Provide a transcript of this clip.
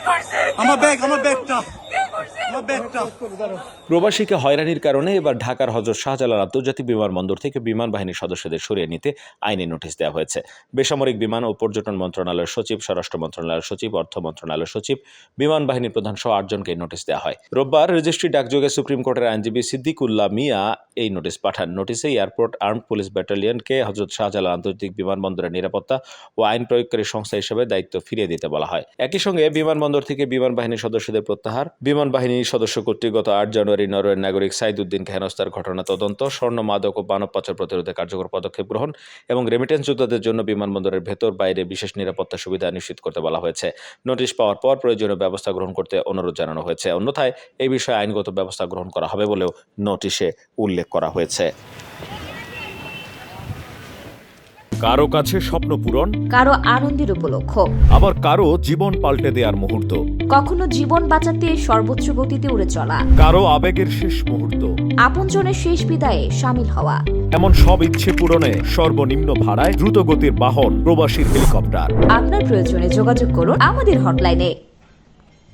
প্রবাসীকে হয়রানির কারণে এবার ঢাকার হযরত শাহজালাল আন্তর্জাতিক বিমানবন্দর থেকে বিমান বাহিনীর সদস্যদের সরিয়ে নিতে আইনি নোটিশ দেওয়া হয়েছে। বেসামরিক বিমান ও পর্যটন মন্ত্রণালয়ের সচিব, স্বরাষ্ট্র মন্ত্রণালয়ের সচিব, অর্থ মন্ত্রণালয়ের সচিব, বিমান বাহিনীর প্রধান সহ 8 জনকে নোটিশ দেওয়া হয়। রোববার রেজিস্ট্রি ডাকযোগে সুপ্রিম কোর্টের আইনজীবী সিদ্দিকুল্লাহ মিয়া এই নোটিশ পাঠান। নোটিশে এয়ারপোর্ট আর্মড পুলিশ ব্যাটালিয়নকে হযরত শাহজালাল আন্তর্জাতিক বিমানবন্দরের নিরাপত্তা ও আইন প্রয়োগকারী সংস্থা হিসেবে দায়িত্ব ফিরিয়ে দিতে বলা হয়। একই সঙ্গে বিমানবন্দর থেকে বিমান বাহিনীর সদস্যদের প্রত্যাহার, বিমান বাহিনীর সদস্য কর্তৃক গত 8 জানুয়ারি নরওয়ের নাগরিক সাইদ উদ্দিনকে হেনস্থার ঘটনা তদন্ত, স্বর্ণ, মাদক ও মানব পাচার প্রতিরোধে কার্যকর পদক্ষেপ গ্রহণ এবং রেমিটেন্স যোদ্ধাদের জন্য বিমানবন্দরের ভেতর বাইরে বিশেষ নিরাপত্তা সুবিধা নিশ্চিত করতে বলা হয়েছে। নোটিশ পাওয়ার পর প্রয়োজনীয় ব্যবস্থা গ্রহণ করতে অনুরোধ জানানো হয়েছে। অন্যথায় এই বিষয়ে আইনগত ব্যবস্থা গ্রহণ করা হবে বলেও নোটিশে উল্লেখ করা হয়েছে। কারো কাছে স্বপ্ন পূরণ, কারো আনন্দের উপলক্ষ, আবার কারো জীবন পাল্টে দেওয়ার মুহূর্ত, কখনো জীবন বাঁচাতে সর্বোচ্চ গতিতে উড়ে চলা, কারো আবেগের শেষ মুহূর্ত, আপনজনের শেষ বিদায়ে শামিল হওয়া, এমন সব ইচ্ছে পূরণে সর্বনিম্ন ভাড়ায় দ্রুতগতির বাহন প্রবাসীর হেলিকপ্টার। আপনার প্রয়োজনে যোগাযোগ করুন আমাদের হটলাইনে।